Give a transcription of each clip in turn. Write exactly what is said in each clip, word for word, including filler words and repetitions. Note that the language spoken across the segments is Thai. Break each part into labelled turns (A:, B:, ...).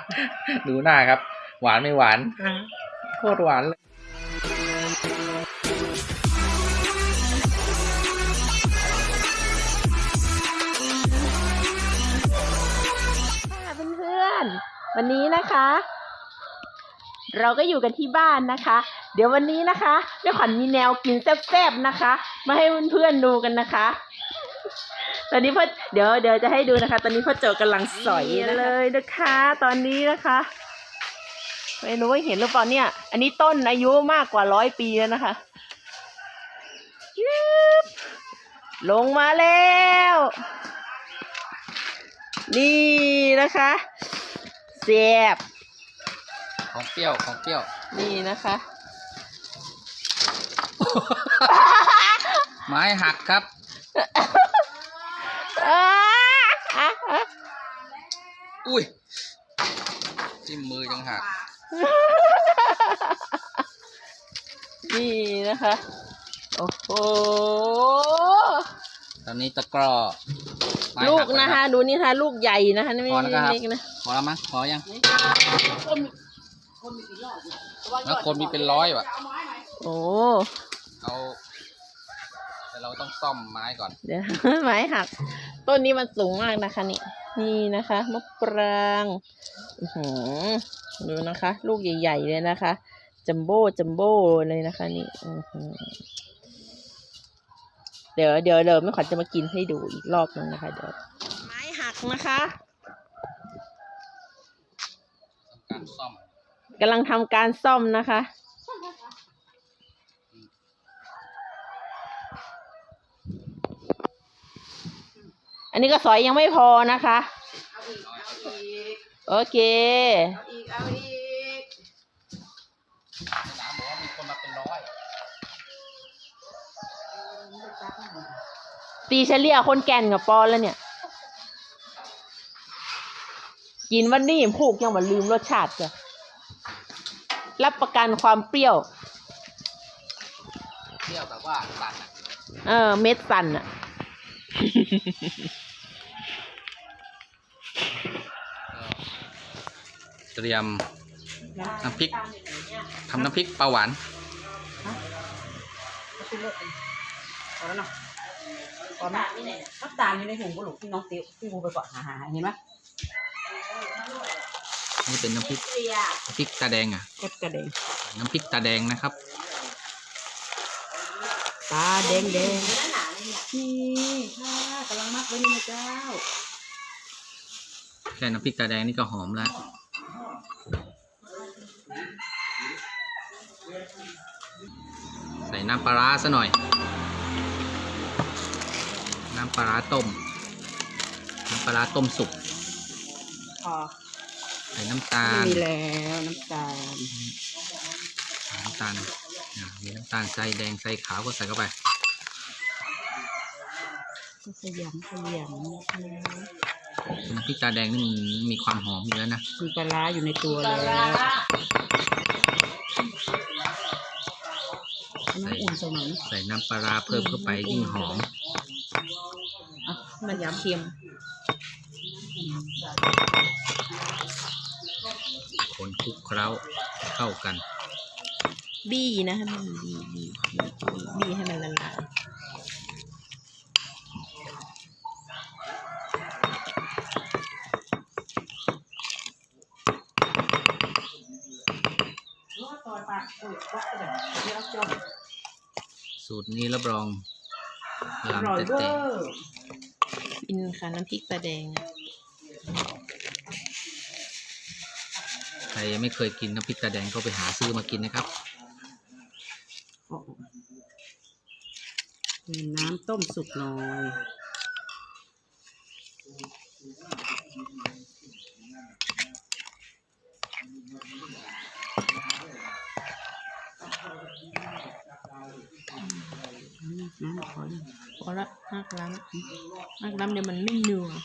A: ดูหน้าครับ หวานไม่หวานโคตรหวานเลย
B: เพื่อนๆวันนี้นะคะ เราก็อยู่กันที่บ้านนะคะ เดี๋ยววันนี้นะคะแม่ขวัญมีแนวกินแซ่บๆนะคะมาให้เพื่อนๆดูกันนะคะตอนนี้พ่อเดี๋ยวเดี๋ยวจะให้ดูนะคะ ตอนนี้พ่อโจกำลังสอยเลยนะคะ ตอนนี้นะคะไม่รู้ว่าเห็นหรือเปล่าเนี่ยอันนี้ต้นอายุมากกว่าร้อยปีแล้วนะคะลงมาแล้วนี่นะคะแซ่บ
A: ของเปรี้ยวของเปรี้ยว
B: นี่นะคะ
A: ไม้หักครับอุ้ยจิ้มมือยังหัก
B: นี่นะคะโอ้โห
A: ตอนนี้ตะกร้อ
B: ลูกนะคะดูนี่ค่ะลูกใหญ่นะคะนี่ไม่เล็กนะ
A: พอแล้วมั้งพอยังแล้วคนมีเป็นร้อยว่ะ
B: โอ้
A: เอาแต่เราต้องซ่อมไม้ก่อน
B: เดี๋ยวไม้หักต้นนี้มันสูงมากนะคะนี่นี่นะคะมะปรางดูนะคะ ลูกใหญ่ๆเลยนะคะจัมโบ้จัมโบ้เลยนะคะนี่เดี๋ยวเดี๋ยวเดี๋ยวแม่ขวัญจะมากินให้ดูอีกรอบนึงนะคะเดี๋ยวไม้หักนะคะ
A: การซ่อม
B: กำลังทำการซ่อมนะคะอันนี้ก็สอยยังไม่พอนะคะโอเคอีกเอาอีก
A: น้ำบอกว่ามีคนมาเป็นร้อย
B: ตีเฉลี่ยคนแก่นกับปอนแล้วเนี่ยกินวันนี้ผูกยังมาลืมรสชาติจ้ะรับประกันความเปรี้ยว
A: เปรี้ยวแบบว่าสั่นอ่ะ
B: เออเม็ดสั่นอ่ะ
A: เตรียมน้ำพริกทำน้ำพริกปลาหวาน
C: พอแล้วเนาะพอไหมน้ำตาลอยู่ในถุงกระดูกที่น้องติ๊วที่กูไปก่อนหาหาเห็นไหม
A: นี่เป็นน้ำพริกน้ำพริกตาแดงอ่ะ
B: กดกระเด้ง
A: น้ำพริกตาแดงนะครับ
B: ตาแดงแดง
C: นี่ค่ะกำลังมักไว้นี่นะเจ้า
A: แค่น้ำพริกตาแดงนี่ก็หอมแล้วใส่น้ำปลาร้าซะหน่อยน้ำปลาร้าต้มน้ำปลาร้าต้มสุก
B: พอ
A: ใส่น้ำตาล
B: มีแล้วน้ำตาล
A: น้ำตาลมีน้ำตาลใส่แดงใส่ขาวก็ใส่เข้าไป
B: ขยำขยำ
A: น้ำพริกตาแดงนี่มันมีความหอมอยู่แล้วนะ
B: มีปลาร้าอยู่ในตัวแล้ว
A: น้ำอุ่นใส่ใส่น้ำปลาร้าเพิ่มเข้าไปยิ่งหอม
B: มันยำเค็ม
A: คนคลุกเคล้าเข้ากัน
B: บี้นะบี้บี้บี้บี้ให้มันละลาย
A: สูตรนี้รับรองลำเต็ม
B: อินค่ะน้ำพริกตาแดง
A: ใครยังไม่เคยกินน้ำพริกตาแดงก็ไปหาซื้อมากินนะครับ
C: น้ำต้มสุกหน่อย
B: น้ำพอพอละนักล้ำนักล้ำเดี๋ยวมันไม่เหนื่อย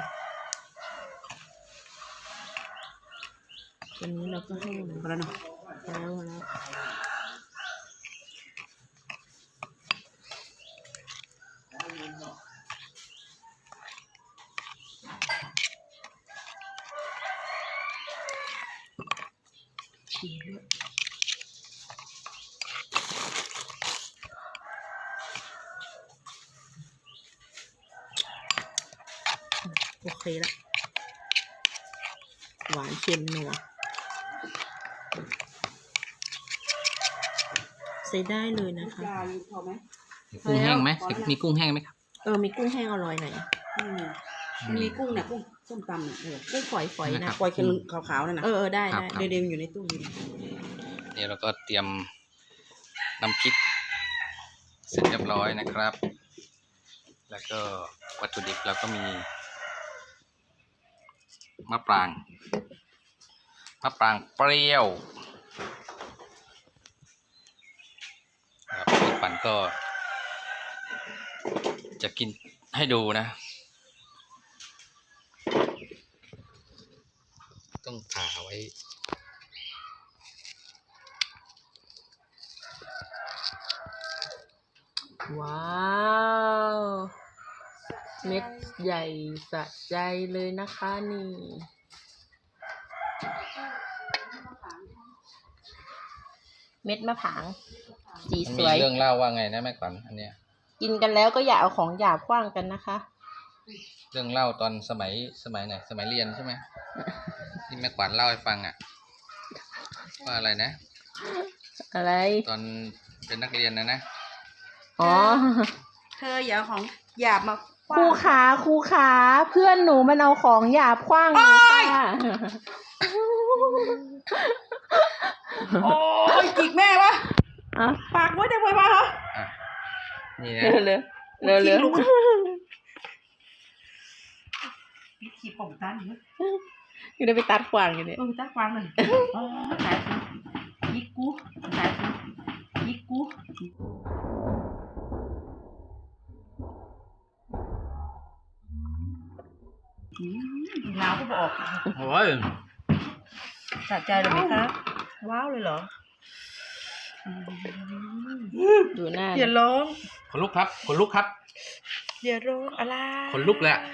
B: ตอนนี้เราก็ให้
C: พอแล้วเนาะ
B: แล้วแล้วริงด้วยโอเคละหวานเค็มนัวใส่ได้เลยนะคะ
C: จานพอไหม
A: มีกุ้งแห้งไหมมีกุ้งแห้งไหมครับ
B: เออมีกุ้งแห้งอร่อยหน่อย
C: อืมมันมีกุ้งเนี่ยกุ้งส้มตำเนี่ยเออ
B: กุ้งฝอยๆนะ
C: ปล่อยเป็นขาวๆนั่นนะ
B: เออเออได้ได้
C: เดี๋ยวๆอยู่ในตู้เย็น
A: เดี๋ยวเราก็เตรียมน้ำพริกเสร็จเรียบร้อยนะครับ แล้วก็วัตถุดิบเราก็มีมะปรางมะปรางเปรี้ยวครับพี่ปั่นก็จะกินให้ดูนะ ต้องผ่าไว้
B: ว้าว เม็ดใหญ่สะใจเลยนะคะนี่ เม็ดมะผางสี
A: มัน
B: ส
A: มี
B: วย
A: เรื่องเล่าว่าไงนะแม่ขวัญอันเนี้ย
B: กินกันแล้วก็อย่าเอาของหยาบขว้างกันนะคะ
A: เรื่องเล่าตอนสมัยสมัยไหนสมัยเรียนใช่ไหม ที่แม่ขวัญเล่าให้ฟังอ่ะว่าอะไรนะ
B: อะไร
A: ตอนเป็นนักเรียนนะนะ
B: อ๋อ
C: เธออย่าของหยาบมา
B: ครูขาครูขาเพื่อนหนูมันเอาของหยาบขว้างหนูค่ะ
C: โอ้ยจิกแม่วะ
B: อ่ะ
C: ปากไว้ได้ไว้ปะฮะ
A: อ่ะนี่นะ
B: เร็วเร็วเร็วเร็ว
C: พี่ขีดผมตันอยู่
B: อยู่ได้ไปตัดขวางอยู่เนี่ย
C: เออตาควางเลยอ๋อตายกูยิกกูตายกูยิกกูอืมหนาวก็บอก
A: โอ้ย
C: สะใจเลยไหมครับว้าวเลยเหรอ
B: ดูหน้า
C: อย่าร้อง
A: ขนลุกครับขนลุกครับ
C: อย่าร้องอะไร
A: ขนลุกเลยอะ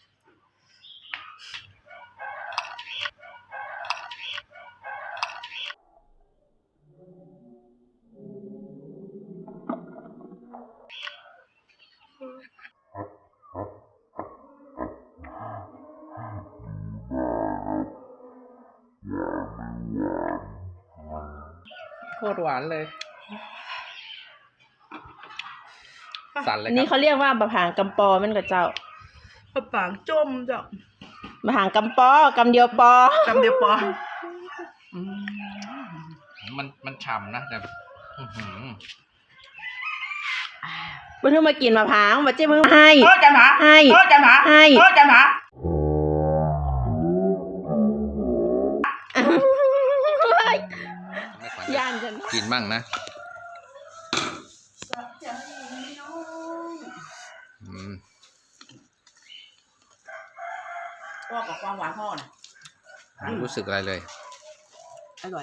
A: โคตรหวานเลย สั่นเลย
B: อัน
A: ค
B: นี้
A: รับ
B: เขาเรียกว่าบะผางกำปอมันกับเจ้า
C: ปะปางจมจ้ะ
B: บะผางกำปอกำเดียวปอ
C: จำเดียวปออืม
A: มันมันฉ่ำนะแต่อื้อหือ
B: เพิ่งมากินมะพร้าวมาเจ๊เพิ่งให้
C: เออจันหา
B: ให้
C: เออจันหา
B: ให้
C: เออจันหา
A: แม่ขวัญ
B: ย่านกัน
A: กินบ้างนะอืม
C: พ่อกับความหวานพ่อน่ะ
A: ไม่รู้สึกอะไรเลย
C: อร่อย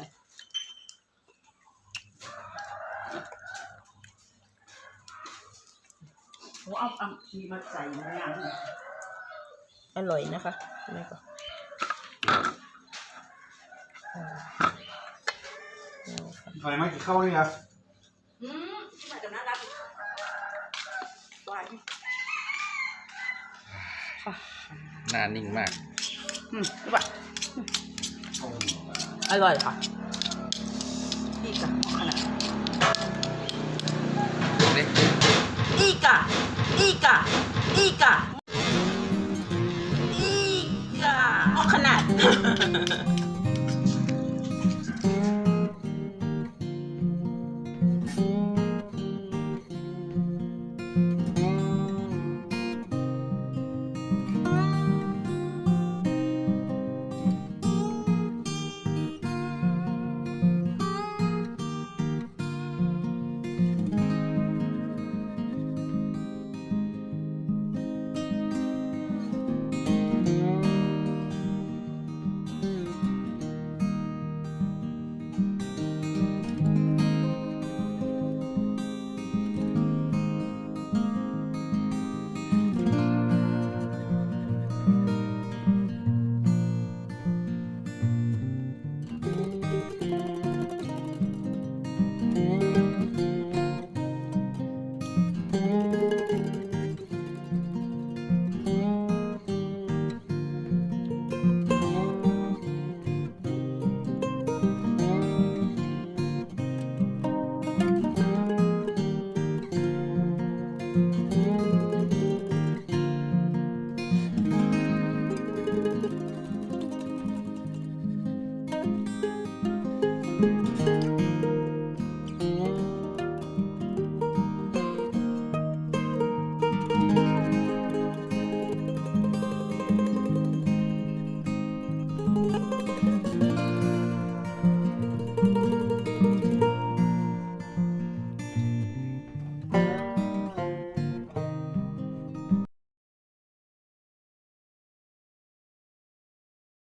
C: โอ้เอาเอามีมาใส่ในงานนี่
B: อร่อยนะคะแม่ก็
D: อะไรไหมกินข้าวนี่ครับ
C: อืมที่มาจากนั้นรับหวาน
A: หน้านิ่งมาก
C: อืมรู้ป่ะอร่อยค่ะอีกอะขนาด
A: ดูดิ
C: อีกอะอีกอะอีกอะอีกอะ
B: ออกขนาด